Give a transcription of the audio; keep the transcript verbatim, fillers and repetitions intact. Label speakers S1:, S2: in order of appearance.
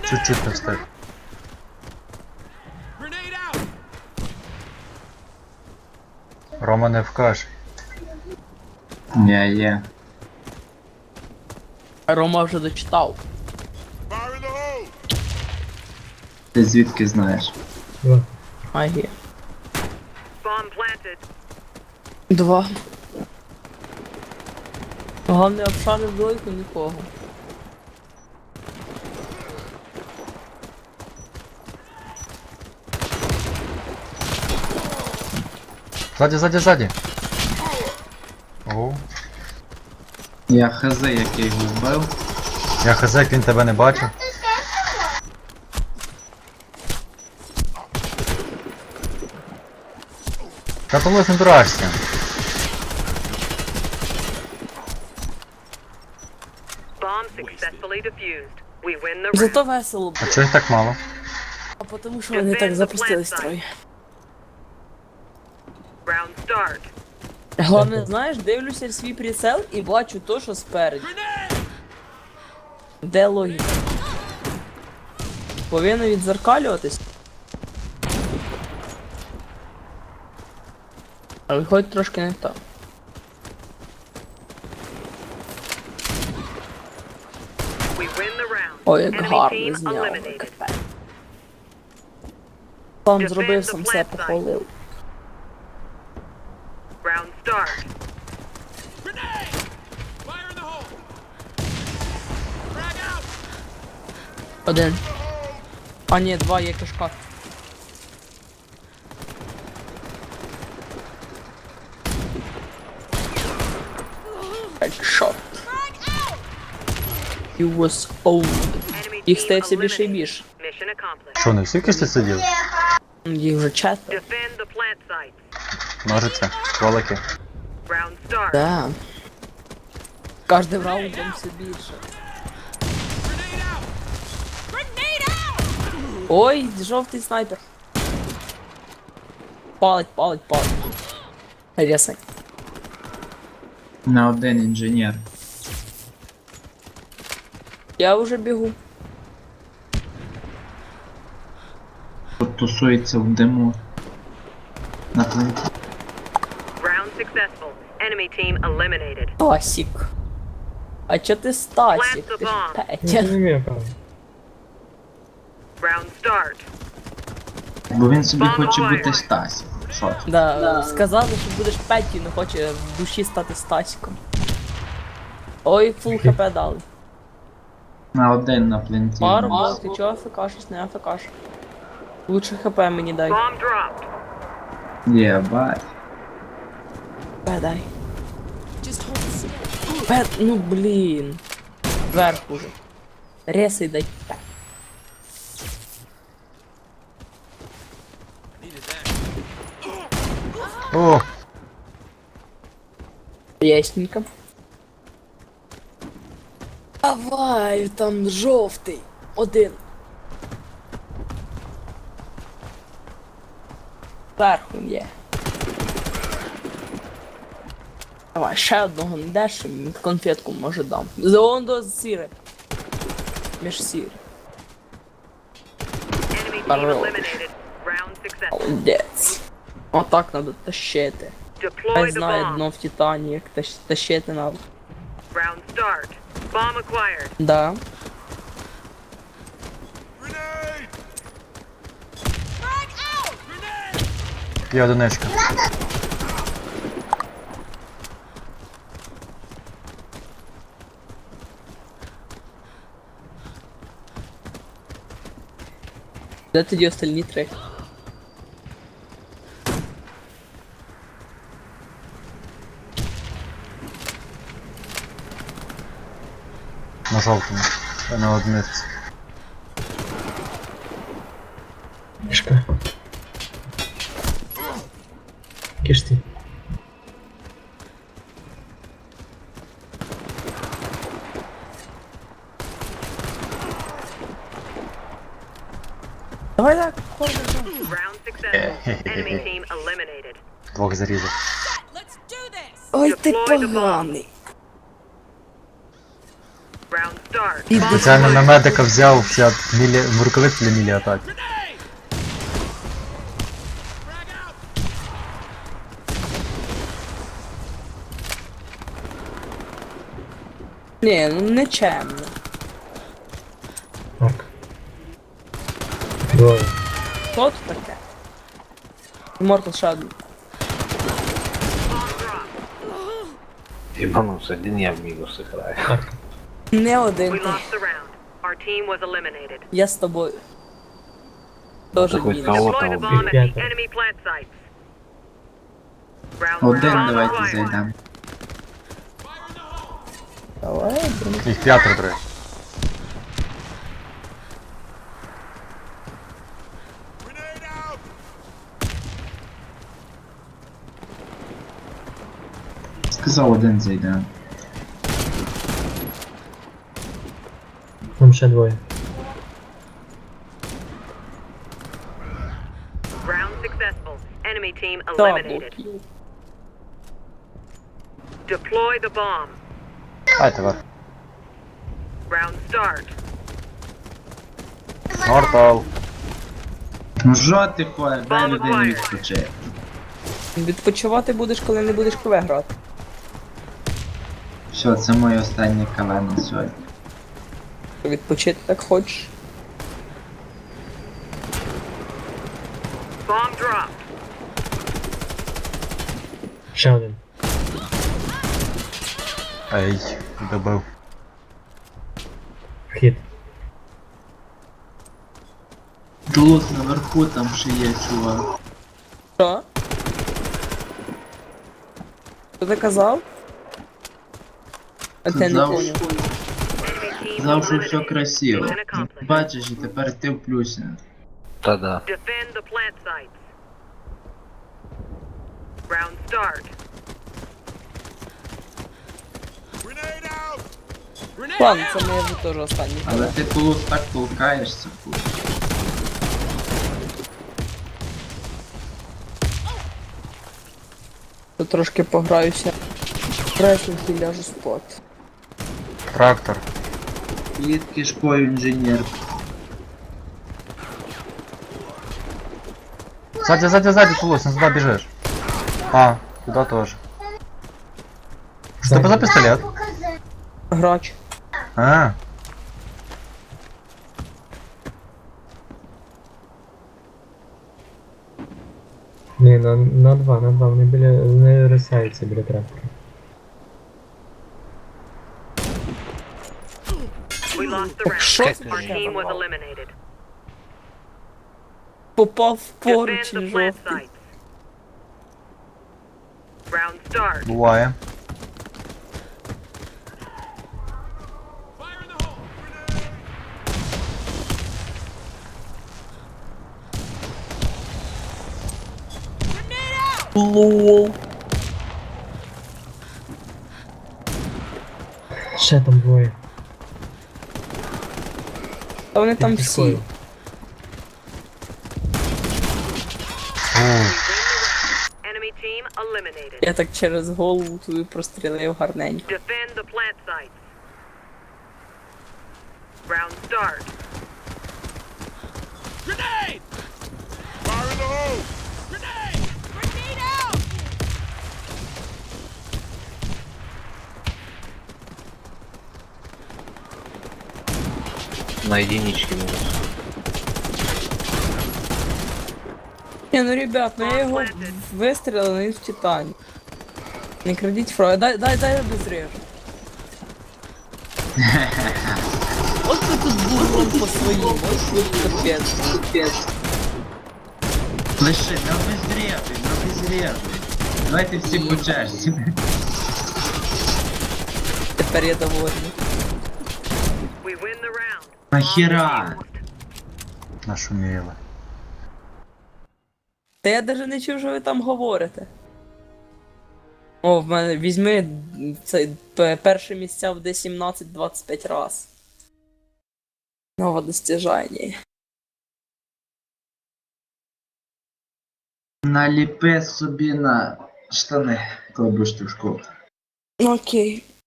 S1: Чуть-чуть не встиг. Рома не вкаже.
S2: Я є.
S3: Рома вже дочитав.
S2: Ти звідки знаєш?
S3: Магія. Два. Головне, обшарив двойку нікого.
S1: Ззаді, ззаді, ззаді. О,
S2: Я хз, як я його вбив.
S1: я хз, як він тебе не бачив. Та то лиш не дурашся.
S3: Зато весело
S1: А
S3: було.
S1: чого їх так мало?
S3: А тому що вони так запустили строй. Головне, знаєш, дивлюся в свій прицел і бачу то, що спереді. Де логіка? Повинно відзеркалюватись. А виходить трошки не так. Ой, як гарно зняв. Сам зробив, сам все похвалив.
S4: Round start.
S3: Один. А ні, два є кишка. Headshot. He was old. Їх стає все більше і більше.
S4: Mission accomplished.
S1: Що, не всі кишці сиділи?
S3: Їх вже четверо.
S4: Defend the plant sites.
S1: Ножиці, кролики.
S4: Round start.
S3: Да. Кожним раундом все більше. Ой, жовтий снайпер. Палить, палить, палить. Рясай.
S2: На один інженер.
S3: Я вже бігу.
S2: Тут тусується в диму. На пленті.
S4: Round successful. Enemy team eliminated.
S3: Стасік. А чо ти Стасік? Ти ж Петя.
S4: Round start.
S2: Бо він собі хоче бути Стасі. Що ти?
S3: Да, сказали, що будеш Петю, не хоче в душі стати Стасіком. Ой, фул хп дали.
S2: На один на пленті.
S3: Пару, бо ти чого афекашиш, не афекаш. Лучше хп мені дай.
S4: Bomb dropped.
S2: Єбать.
S3: Пе дай. Пе, ну блін. Вверх уже. Ресай дай. Пе.
S1: О,
S3: Ясненько. Давай, там жовтий. Один. Зверху є. Давай, ще одного не даш, конфетку може дам. Зон до сіри. Між сіри.
S4: Enemy team
S3: Хорош.
S4: eliminated. Round successful.
S3: Молодець. Отак надо тащити. Я
S4: Deploy the
S3: знаю
S4: bomb.
S3: дно в Титані, як тащ- тащити надо.
S4: Round start. Bomb acquired.
S3: Да.
S1: є одиничка.
S3: Де тоді остальні три?
S1: На жовтому. А на одиниці.
S5: Кишка. Кишти.
S3: Давай так, ходимо.
S4: Round successful. Enemy team eliminated.
S1: Двох зарізав.
S3: Ой, ти
S4: Deploy the bomb.
S3: поганий.
S4: Round start.
S3: І
S4: Bomb
S1: Спеціально на
S4: acquired.
S1: медика взяв взяв мілі... рукавиці для мілі атаки.
S3: Ні, ну не чемно.
S5: Марк. Двоє.
S3: Що тут таке? Мортал ще один.
S6: Ебанулся, один я в минус играю.
S5: Марк.
S3: Не один
S4: We
S3: ти.
S4: lost the round. Our team was eliminated.
S3: Я з тобою. Тоже
S6: такой
S3: мінус.
S6: кого-
S4: Deploy the
S6: там
S4: bomb at the
S5: ребята.
S4: enemy plant sites. Round
S2: Один
S4: bomb
S2: давайте
S4: acquired.
S2: зайдемо.
S3: Давай, блін.
S1: Їх п'ятеро треба.
S2: Сказав, один зайдемо.
S5: Там ще двоє.
S4: Round successful. Enemy team
S3: Дабл
S4: eliminated.
S3: кіл.
S4: Deploy the bomb.
S1: Дайте вас.
S4: Round start.
S1: Мортал.
S2: Ну жо ти ходиш, дай
S4: Bomb
S2: людину
S4: acquired.
S2: відпочити.
S3: Відпочивати будеш, коли не будеш КВ грати.
S2: Все, це моє останнє КВ на сьогодні.
S3: Відпочити так хочеш.
S4: Bomb dropped.
S5: Ще один.
S1: Ей, добив.
S5: Вхід.
S2: Тут наверху там ще є чувак.
S3: Що? Що ти казав? А ти не
S2: Казав,
S3: поняв.
S4: Enemy team
S2: Казав, що все
S4: eliminated.
S2: красиво.
S4: Mission accomplished.
S2: Бачиш, і тепер ти в плюсі.
S6: Да-да.
S4: Defend the plant sites. Round start.
S3: Ладно, це моє вже теж останній.
S2: Але ти тулус так толкаєшся. фу.
S3: Тут трошки пограюся. Реслінг і ляжу спати.
S1: Трактор.
S2: Під кишкою інженер.
S1: Сзади, сзади, сзади, Тулус, не сюда бежишь. А, туда тоже. Что это за пистолет?
S3: Грач.
S1: А,
S5: Ні, на, на два, на два. Вони біля. Вони рисаються біля трактора.
S4: We lost the
S3: Так
S4: round.
S3: що
S6: Как
S3: це
S6: ты
S4: Our
S3: таке?
S4: team was eliminated.
S3: Попав в
S4: Defend
S3: поруч
S4: the
S3: і
S4: plant
S3: жовтий.
S4: sites. Round start.
S1: буває.
S3: Лол.
S5: Ще там двоє.
S3: Та вони там
S5: Під
S3: всі.
S5: кишкою.
S1: Фу,
S4: Enemy team eliminated.
S3: Я так через голову туди прострілив гарненько.
S4: Defend the plant sites. Round start.
S6: На единичке минус.
S3: Ні, ну ребят, ну я його вистрілив, але він в Титані. Не крадіть фрою, дай, дай, дай я дозрежу. От ти тут бургом по своїм, ось тут капець. Капець.
S2: Лише, не обезрєбуй, не обезрєбуй. Давайте всі по черзі.
S3: Тепер я довольний.
S4: We win the round.
S2: Нахіра?
S1: нашуміли.
S3: Та я навіть не чув, що ви там говорите. О, в мене візьми це п- перше місця в Д сімнадцять двадцять п'ять раз. Нове достіжання.
S2: Наліпи собі на штани, коли будеш ти в школу.
S3: Окей.